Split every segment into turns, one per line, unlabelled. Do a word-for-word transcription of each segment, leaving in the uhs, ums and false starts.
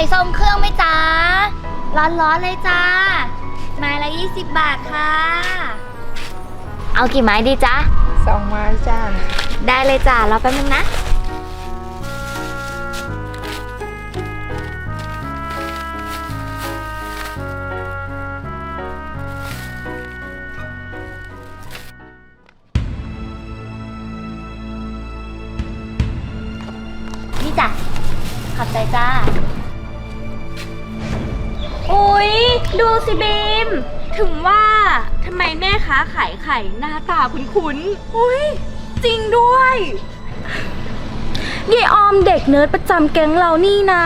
ทรงเครื่องไหมจ๊ะร้อนๆเลยจ้าไม้ละยี่สิบบาทค่ะเอากี่ไม้ดีจ๊ะ
สองไม้จ้า
ได้เลยจ้ารอแป๊บนึงนะนี่จ้ะขอบใจจ้า
อุ๊ยดูสิบีมถึงว่าทำไมแม่ค้าขายไข่หน้าตาคุ้นๆอุ๊ยจริงด้วยยายออมเด็กเนิร์ดประจำแก๊งเรานี่นา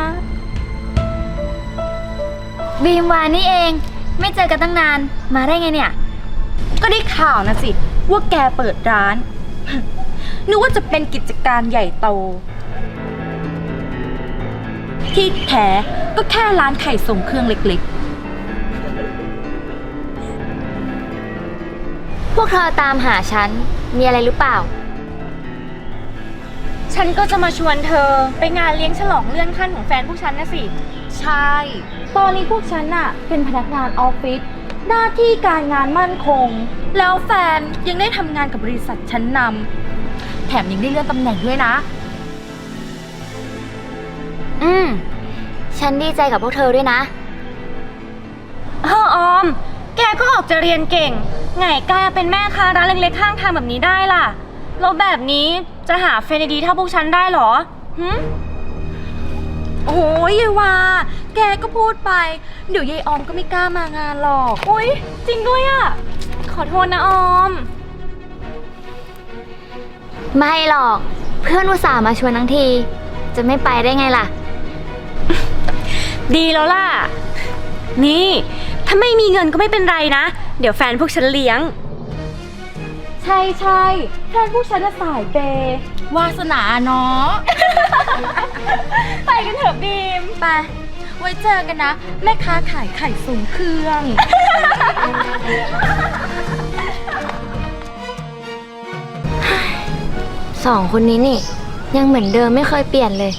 บีมวานี่เองไม่เจอกันตั้งนานมาได้ไงเนี่ย
ก็ได้ข่าวนะสิว่าแกเปิดร้าน นึกว่าจะเป็นกิจการใหญ่โตที่แท้ก็แค่ร้านไข่ส่งเครื่องเล็ก
พวกเธอตามหาฉันมีอะไรหรือเปล่า
ๆฉันก็จะมาชวนเธอไปงานเลี้ยงฉลองเลื่อนขั้นของแฟนพวกฉันนะสิใช่ตอนนี้พวกฉันน่ะเป็นพนักงานออฟฟิศหน้าที่การงานมั่นคงแล้วแฟนยังได้ทำงานกับบริษัทชั้นนำแถมยังได้เลื่อนตำแหน่งด้วยนะ
อืมฉันดีใจกับพวกเธอด้วยนะ
เออออมแกก็ออกจะเรียนเก่งไงกล้าเป็นแม่ค้าร้านเล็กๆข้างทางแบบนี้ได้ล่ะแล้วแบบนี้จะหาแฟนดีๆเท่าพวกฉันได้หรอหืมโอ้ยยายวาแกก็พูดไปเดี๋ยวยายออมก็ไม่กล้ามางานหรอกอุ้ยจริงด้วยอ่ะขอโทษนะออม
ไม่หรอกเพื่อนอุตส่าห์มาชวนทั้งทีจะไม่ไปได้ไงล่ะ
ดีแล้วล่ะนี่ถ้าไม่มีเงินก็ไม่เป็นไรนะเดี๋ยวแฟนพวกฉันเลี้ยงใช่ใช่แฟนพวกฉันจะสายเปย์วาสนาเนาะ ไปกันเถอะบีมไปไว้เจอกันนะแม่ค้าขายไข่ส่งเครื่อง
สองคนนี้นี่ยังเหมือนเดิมไม่เคยเปลี่ยนเลย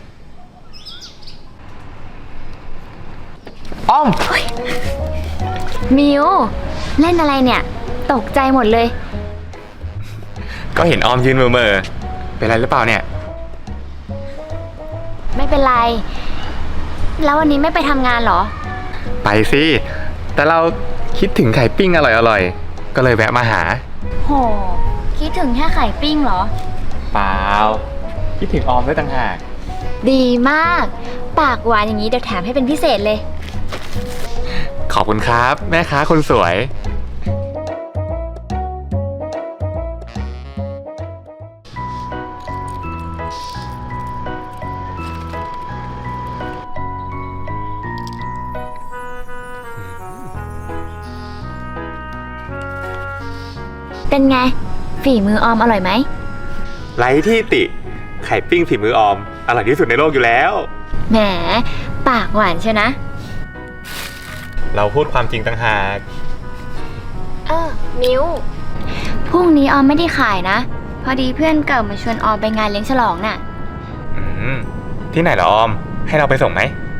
อ้อม
มิวเล่นอะไรเนี่ยตกใจหมดเลย
ก็เห็นออมยืนเมื่อๆเป็นไรหรือเปล่าเนี่ย
ไม่เป็นไรแล้ววันนี้ไม่ไปทำงานเหรอ
ไปสิแต่เราคิดถึงไข่ปิ้งอร่อยๆก็เลยแวะมาหา
โหคิดถึงแค่ไข่ปิ้งเหรอ
เปล่าคิดถึงออมด้วยต่างหาก
ดีมากปากหวานอย่างนี้เดี๋ยวแถมให้เป็นพิเศษเลย
ขอบคุณครับแม่ค้าคนสวย
เป็นไงฝีมือออมอร่อยไหม
ไร้ที่ติไข่ปิ้งฝีมือออมอร่อยที่สุดในโลกอยู่แล้ว
แหมปากหวานเชียวนะ
เราพูดความจริงต่างหาก
เออมิวพรุ่งนี้ออมไม่ได้ขายนะพอดีเพื่อนเก่ามาชวนออมไปงานเลี้ยงฉลองน่ะ
อืมที่ไหนเหรอออมให้เราไปส่งไหม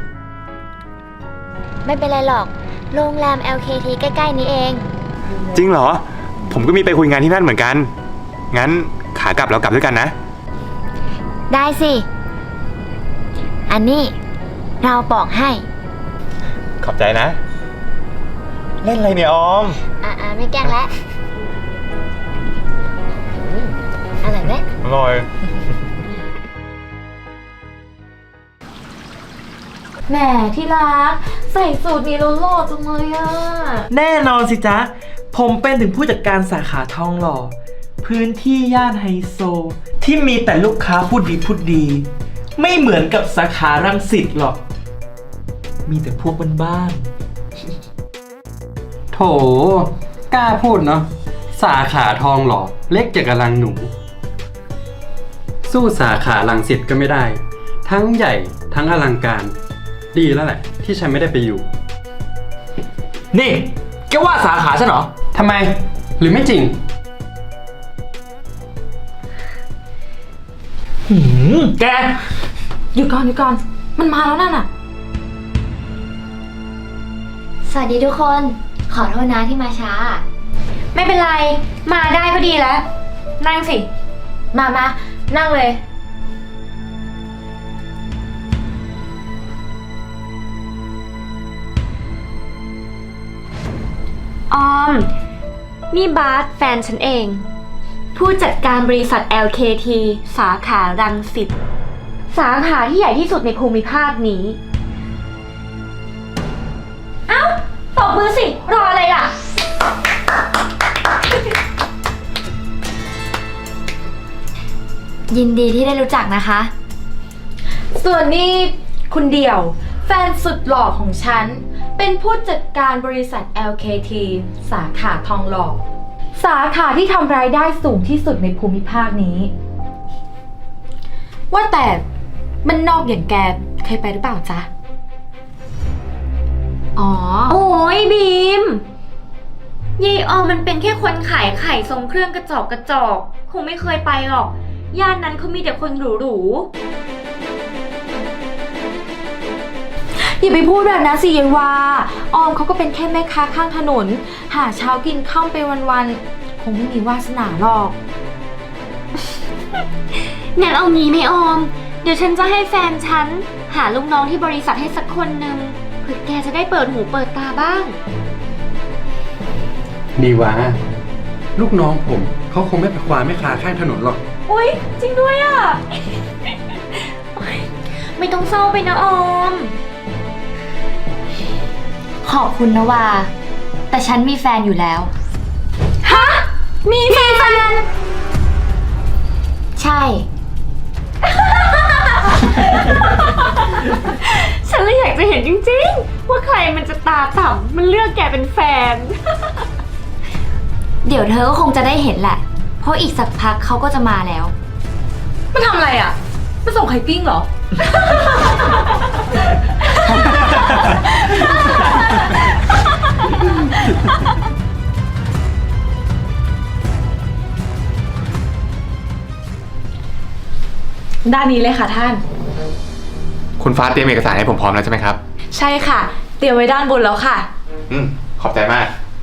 ไม่เป็นไรหรอกโรงแรม แอล เค ที ใกล้ๆนี้เอง
จริงเหรอผมก็มีไปคุยงานที่นั่นเหมือนกันงั้นขากลับเรากลับด้วยกันนะ
ได้สิอันนี้เราบอกให้
ขอบใจนะเล่นอะไรเนี่ยออม
อ่าไม่แกล้งแล้วอร่อยไหม
อร่อย
แหมที่รักใส่สูตรนี้แล้วหล่อจังเลยอ่ะ
แน่นอนสิจ๊ะผมเป็นถึงผู้จัดการสาขาทองหล่อพื้นที่ย่านไฮโซที่มีแต่ลูกค้าพูดดีพูดดีไม่เหมือนกับสาขารังสิตหรอกมีแต่พวกบ้าน
โถกล้าพูดเนาะสาขาทองหล่อเล็กจากกำลังหนูสู้สาขารังสิตก็ไม่ได้ทั้งใหญ่ทั้งอลังการดีแล้วแหละที่ฉันไม่ได้ไปอยู่
นี่แกว่าสาขาฉันเหรอ
ทำไมหรือไม่จริง
หืมแก
หยุดก่อนหยุดก่อนมันมาแล้วนั่นน่ะ
สวัสดีทุกคน ขอโทษนะที่มาช้า
ไม่เป็นไร มาได้ก็ดีแล้ว นั่งสิ มามานั่งเลย ออม นี่บาสแฟนฉันเอง ผู้จัดการบริษัท แอล เค ที สาขารังสิต สาขาที่ใหญ่ที่สุดในภูมิภาคนี้ เอ้าตบมือสิ รออะไรล่ะ
ยินดีที่ได้รู้จักนะคะ
ส่วนนี้คุณเดี่ยว แฟนสุดหล่อของฉัน เป็นผู้จัดการบริษัท แอล เค ที สาขาทองหล่อ สาขาที่ทำรายได้สูงที่สุดในภูมิภาคนี้ ว่าแต่มันนอกอย่างแกเคยไปหรือเปล่าจ๊ะ อ๋อ
โอ้ยบีมยายออมมันเป็นแค่คนขายไข่ทรงเครื่องกระจอกกระจอก คงไม่เคยไปหรอก ย่านนั้นเขามีแต่คนหรูๆ
อย่าไปพูดแบบนั้นสิยายวา ออมเขาก็เป็นแค่แม่ค้าข้างถนน หาเช้ากินข้าวไปวันๆ คงไม่มีวาสนาหรอก
งั้นเอางี้ไหมออม เดี๋ยวฉันจะให้แฟนฉัน หาลูกน้องที่บริษัทให้สักคนหนึ่งเพื่อแกจะได้เปิดหูเปิดตาบ้าง
ดีวะลูกน้องผมเขาคงไม่ไปคว้าแม่ค้าข้างถนนหรอก
อุ๊ย จริงด้วยอ่ะ โอ๊ยไม่ต้องเศร้าไปนะออม
ขอบคุณนะวา แต่ฉันมีแฟนอยู่แล้ว
ฮะ มีแฟน
ใช่
ฉันเลยอยากจะเห็นจริงๆ ว่าใครมันจะตาต่ำมันเลือกแกเป็นแฟน
เดี๋ยวเธอก็คงจะได้เห็นแหละ เพราะอีกสักพักเขาก็จะมาแล้ว
มันทำอะไรอ่ะมันส่งไข่ปิ้งเหรอ ด้านนี้เลยค่ะท่าน
คุณฟ้าเตรียมเอกสารให้ผมพร้อมแล้วใช่ไหมครับ
ใช่ค่ะ เตรียมไว้ด้านบนแล้วค่ะ
อืม ขอบใจมาก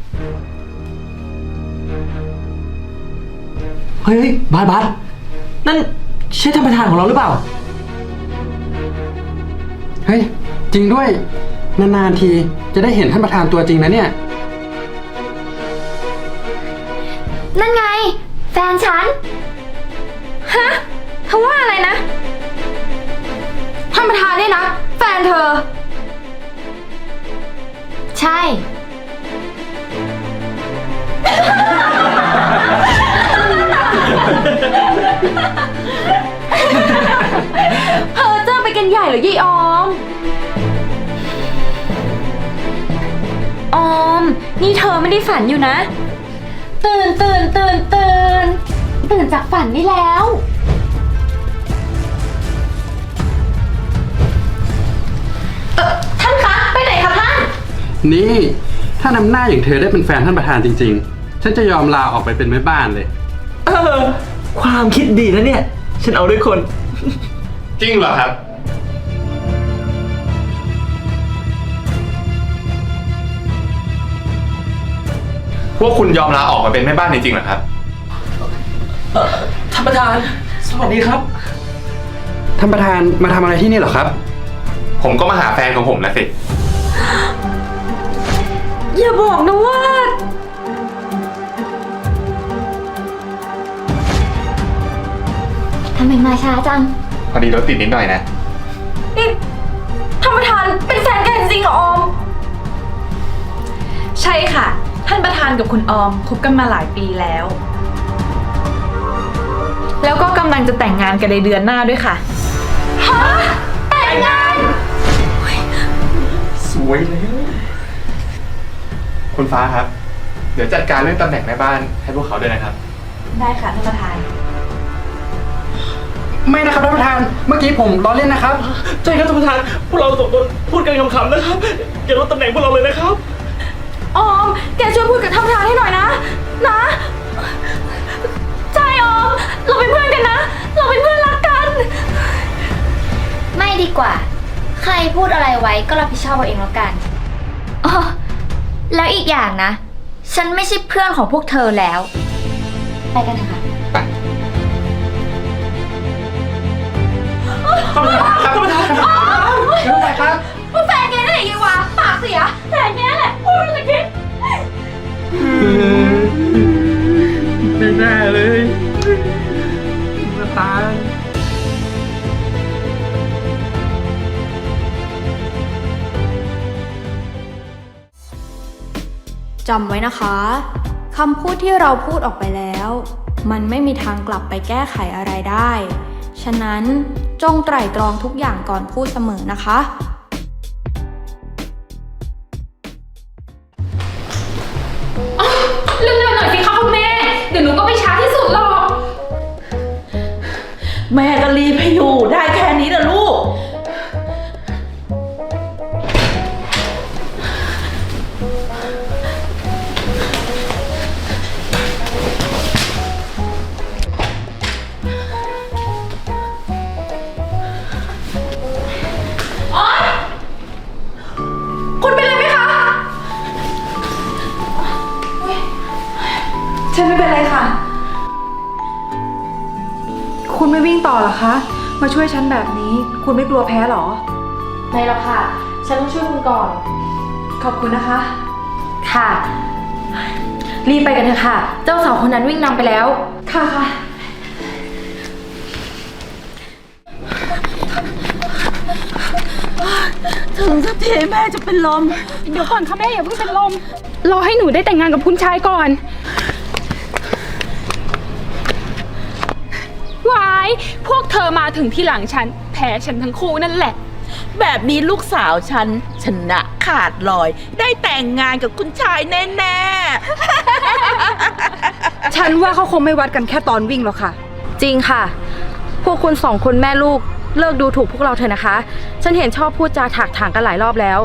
เฮ้ยเฮ้ยบาสบาสนั่นใช่ท่านประธานของเราหรือเปล่า
เฮ้ย จริงด้วย นานๆทีจะได้เห็นท่านประธานตัวจริงนะเนี่ย
นั่นไง แฟนฉัน
ฮะเธอว่าอะไรนะ
ท่านประธานเนี่ยนะ แฟนเธอ
ใช่
เธอเจอไปกันใหญ่เหรอยี่ออม
ออม นี่เธอไม่ได้ฝันอยู่นะ ตื่นตื่นตื่นตื่นตื่นจากฝันได้แล้ว
ท่านคะ ไปไหนคะท่าน
นี่ถ้านำหน้าอย่างเธอได้เป็นแฟนท่านประธานจริงๆ ฉันจะยอมลาออกไปเป็นแม่บ้านเลย
เออ ความคิดดีนะเนี่ย ฉันเอาด้วยคน
จริงเหรอครับ พวกคุณยอมลาออกมาเป็นแม่บ้านจริงๆเหรอครับ
เอ่อท่านประธาน สวัสดีครับ
ท่านประธานมาทำอะไรที่นี่เหรอครับ
ผมก็มาหาแฟนของผมนะสิ
อย่าบอกนะว่า
ทำไมมาช้าจัง
พอดีรถติดนิดหน่อยนะ
นี่ท่านประธานเป็นแฟนกันจริงเหรอออม ใช่ค่ะ ท่านประธานกับคุณออมคบกันมาหลายปีแล้ว แล้วก็กำลังจะแต่งงานกันในเดือนหน้าด้วยค่ะ ฮะ แต่งงาน
สวยเลย คุณฟ้าครับ เดี๋ยวจัดการเรื่องตำแหน่งแม่บ้านให้พวกเขาด้วยนะครับ
ได้ค่ะท่านประธาน
ไม่นะครับท่านประธาน เมื่อกี้ผมล้อเล่นนะครับ
ใช่ครับท่านประธาน พวกเราสองคนพูดกันขำๆนะครับ อย่าลดตำแหน่งพวกเราเลยนะครับ
ออม แกช่วยพูดกับท่านประธานให้หน่อยนะ นะ ใช่ออม เราเป็นเพื่อนกันนะ เราเป็นเพื่อนรักกัน
ไม่ดีกว่าใครพูดอะไรไว้ก็รับผิดชอบเอาเองแล้วกันอ๋อแล้วอีกอย่างนะ ฉันไม่ใช่เพื่อนของพวกเธอแล้ว ไปกันเถอะค่ะ แฟนแกนั่นแหละยีวะปากเสียแฟนแกนั่นแหละพูดไม่ได้คิด
ไม่น่าเลยมาตาย
จำไว้นะคะคำพูดที่เราพูดออกไปแล้ว มันไม่มีทางกลับไปแก้ไขอะไรได้ ฉะนั้นจงไตร่ตรองทุกอย่างก่อนพูดเสมอนะคะ
เร็วๆหน่อยสิคะคุณแม่ เดี๋ยวหนูก็ไปช้าที่สุดหรอก
แม่ก็รีบให้อยู่ได้แค่นี้นะลูก
คุณเป็นอะไรไหมคะ
ฉันไม่เป็นไรค่ะ คุณไม่วิ่งต่อเหรอคะ มาช่วยฉันแบบนี้ คุณไม่กลัวแพ้เหรอ
ไม่หรอกค่ะ ฉันต้องช่วยคุณก่อน
ขอบคุณนะคะ
ค่ะ รีบไปกันเถอะค่ะ เจ้าสาวคนนั้นวิ่งนำไปแล้ว
ค่ะค่ะ
ถึงสักทีแม่จะเป็นลม
เดี๋ยวก่อนค่ะแม่อย่าเพิ่งเป็นลม รอให้หนูได้แต่งงานกับคุณชายก่อนวายพวกเธอมาถึงที่หลังฉัน แพ้ฉันทั้งคู่นั่นแหละ
แบบนี้ลูกสาวฉันชนะขาดลอย ได้แต่งงานกับคุณชายแน่
ฉันว่าเขาคงไม่วัดกันแค่ตอนวิ่งหรอกค่ะ
จริงค่ะ พวกคุณสองคนแม่ลูกเลิกดูถูกพวกเราเถอะนะคะ ฉันเห็นชอบพูดจาถากถางกันหลายรอบแล้ว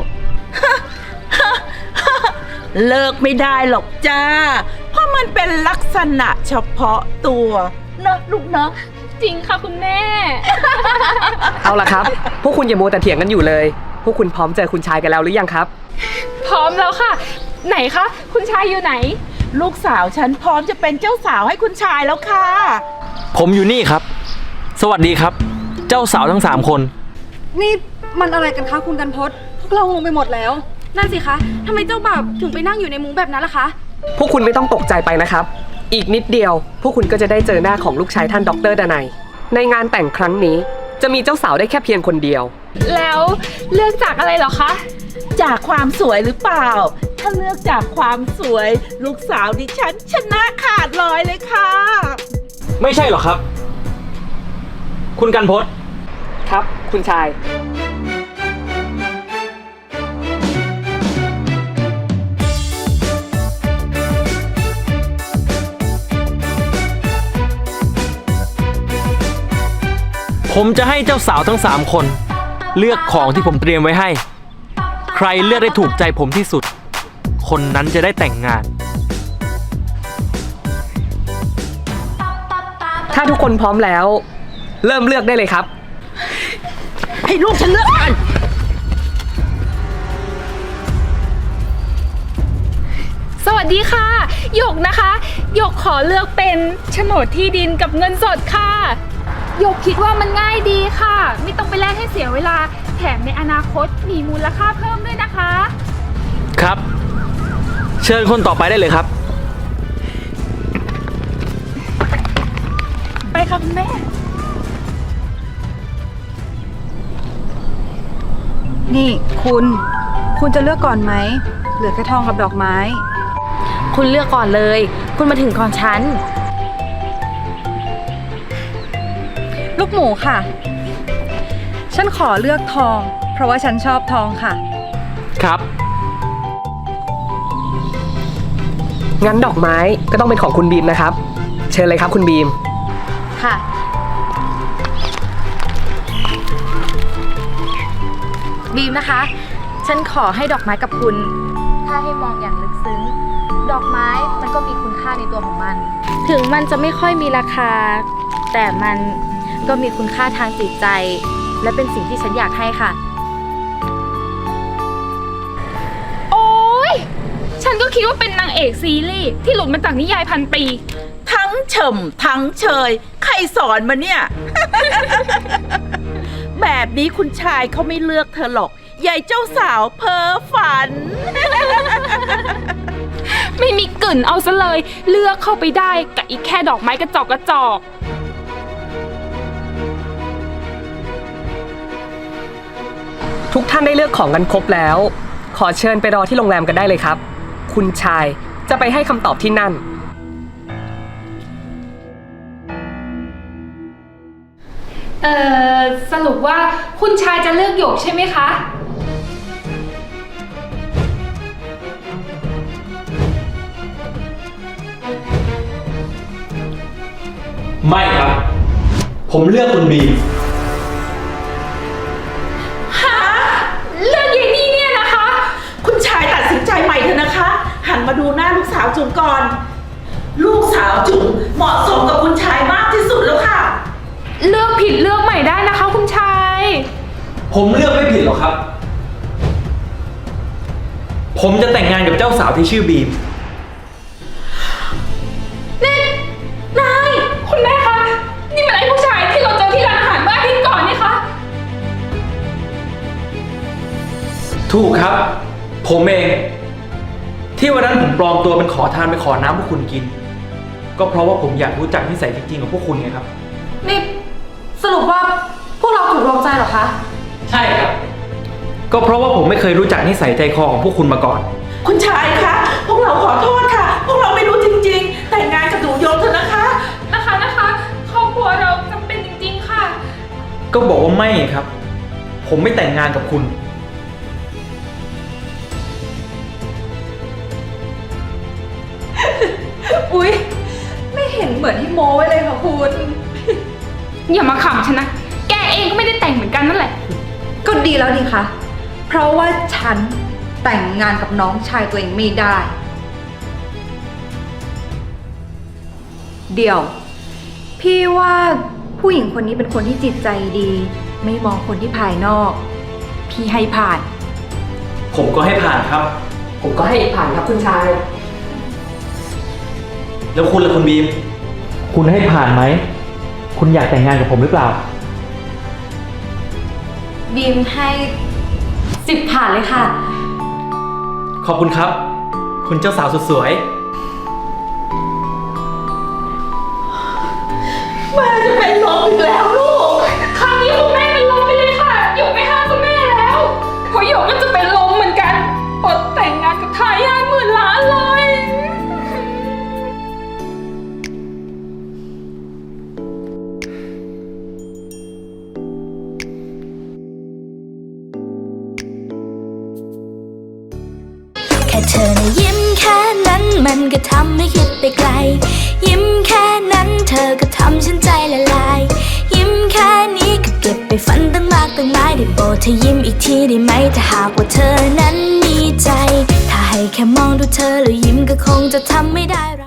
ๆ เลิกไม่ได้หรอกจ้า เพราะมันเป็นลักษณะเฉพาะตัวนะลูกเนาะ
จริงค่ะคุณแม่
เอาล่ะครับ พวกคุณอย่ามัวแต่เถียงกันอยู่เลย พวกคุณพร้อมเจอคุณชายกันแล้วหรือยังครับ
พร้อมแล้วค่ะ ไหนคะ คุณชายอยู่ไหน
ลูกสาวฉันพร้อมจะเป็นเจ้าสาวให้คุณชายแล้วค่ะ
ผมอยู่นี่ครับ สวัสดีครับ เจ้าสาวทั้งสามคน
นี่มันอะไรกันคะคุณกันพศพวกเรางงไปหมดแล้ว
นั่นสิคะทำไมเจ้าบ่าวถึงไปนั่งอยู่ในมุ้งแบบนั้นล่ะคะ
พวกคุณไม่ต้องตกใจไปนะครับ อีกนิดเดียว พวกคุณก็จะได้เจอหน้าของลูกชายท่านดรดนัย ในงานแต่งครั้งนี้ จะมีเจ้าสาวได้แค่เพียงคนเดียว
แล้วเลือกจากอะไรเหรอคะ
จากความสวยหรือเปล่า ถ้าเลือกจากความสวย ลูกสาวดิฉันชนะขาดลอยเลยค่ะ
ไม่ใช่หรอครับ คุณกันพศ
ครับ คุณชาย
ผมจะให้เจ้าสาวทั้งสามคน เลือกของที่ผมเตรียมไว้ให้ ใครเลือกได้ถูกใจผมที่สุด คนนั้นจะได้แต่งงาน
ถ้าทุกคนพร้อมแล้ว เริ่มเลือกได้เลยครับ
ให้ลูกฉันเลือกก่อน
สวัสดีค่ะ หยกนะคะหยกขอเลือกเป็นโฉนดที่ดินกับเงินสดค่ะหยกคิดว่ามันง่ายดีค่ะ ไม่ต้องไปแลกให้เสียเวลา แถมในอนาคตมีมูลค่าเพิ่มด้วยนะคะ
ครับ เชิญคนต่อไปได้เลยครับ
ไปค่ะคุณแม่
นี่คุณ คุณจะเลือกก่อนไหม เหลือแค่ทองกับดอกไม้
คุณเลือกก่อนเลย คุณมาถึงก่อนฉัน
ลูกหมูค่ะ ฉันขอเลือกทอง เพราะว่าฉันชอบทองค่ะ
ครับ
งั้นดอกไม้ก็ต้องเป็นของคุณบีมนะครับ เชิญเลยครับคุณบีม
ค่ะ บีมนะคะ ฉันขอให้ดอกไม้กับคุณ ถ้าให้มองอย่างลึกซึ้ง ดอกไม้มันก็มีคุณค่าในตัวของมัน ถึงมันจะไม่ค่อยมีราคา แต่มันก็มีคุณค่าทางจิตใจ และเป็นสิ่งที่ฉันอยากให้ค่ะ
ฉันก็คิดว่าเป็นนางเอกซีรีส์ที่หลุดมาจากนิยายพันปี
ทั้งเฉมทั้งเชย ใครสอนมาเนี่ย แบบนี้คุณชายเขาไม่เลือกเธอหรอกยายเจ้าสาวเพ้อฝัน
ไม่มีกลิ่นเอาซะเลยเลือกเข้าไปได้กับอีกแค่ดอกไม้กระจอกกระจอก
ทุกท่านได้เลือกของกันครบแล้ว ขอเชิญไปรอที่โรงแรมกันได้เลยครับ คุณชายจะไปให้คำตอบที่นั่น
เอ่อสรุปว่าคุณชายจะเลือกหยกใช่ไหมคะ
ไม่ครับ ผมเลือกคุณบีม
ฮะเรื่องยายนี่เนี่ยนะคะ คุณชายตัดสินใจใหม่เถอะนะคะ หันมาดูหน้าลูกสาวจุ๋มก่อน ลูกสาวจุ๋มเหมาะสมกับคุณชายมากที่สุดแล้วค่ะ
เลือกผิดเลือกใหม่ได้นะคะคุณชาย
ผมเลือกไม่ผิดหรอกครับ ผมจะแต่งงานกับเจ้าสาวที่ชื่อบีม
นี่นายคุณแม่คะนี่มันไอ้ผู้ชายที่เราเจอที่ร้านอาหารเมื่ออาทิตย์ก่อนนี่คะ
ถูกครับ ผมเอง ที่วันนั้นผมปลอมตัวเป็นขอทานไปขอน้ำพวกคุณกิน ก็เพราะว่าผมอยากรู้จักนิสัยจริงๆของพวกคุณไงครับ
นี่สรุปว่าพวกเราถูกลงใจเหรอคะ
ใช่ครับ ก็เพราะว่าผมไม่เคยรู้จักนิสัยใจคอของพวกคุณมาก่อน
คุณชายคะพวกเราขอโทษค่ะ พวกเราไม่รู้จริงๆ แต่งงานกับหนูยงเถอะนะคะ
นะคะนะคะครอบครัวเราจำเป็นจริงๆค่ะ
ก็บอกว่าไม่ครับ ผมไม่แต่งงานกับคุณ
อุ๊ย ไม่เห็นเหมือนที่โม้ไว้เลยค่ะคุณ
อย่ามาขำฉันนะ แกเองก็ไม่ได้แต่งเหมือนกันนั่นแหละ
ก็ดีแล้วนี่คะเพราะว่าฉันแต่งงานกับน้องชายตัวเองไม่ได้ เดี๋ยว พี่ว่าผู้หญิงคนนี้เป็นคนที่จิตใจดี ไม่มองคนที่ภายนอก พี่ให้ผ่าน
ผมก็ให้ผ่านครับ
ผมก็ให้ผ่านครับคุณชาย
แล้วคุณล่ะคุณบีม คุณให้ผ่านไหม คุณอยากแต่งงานกับผมหรือเปล่า
บีมให้สิบผ่านเลยค่ะ
ขอบคุณครับ คุณเจ้าสาวสุดสวย
แม่จะเป็นลมอีกแล้วลูก
ครั้งนี้คุณแม่เป็นลมไปเลยค่ะหยกไม่ห้ามคุณแม่แล้วเพราะหยกก็จะเป็นลมเหมือนกันอดแต่งงานกับทายาทหมื่นล้านเลย
แค่เธอนะยิ้มแค่นั้นมันก็ทำให้คิดไปไกลยิ้มแค่นั้นเธอก็ทำฉันใจละลายยิ้มแค่นี้ก็เก็บไปฝันตั้งมากตั้งหลายได้โปรดเธอยิ้มอีกทีได้ไหมถ้าหากว่าเธอนั้นมีใจถ้าให้แค่มองดูเธอแล้วยิ้มก็คงจะทำไม่ได้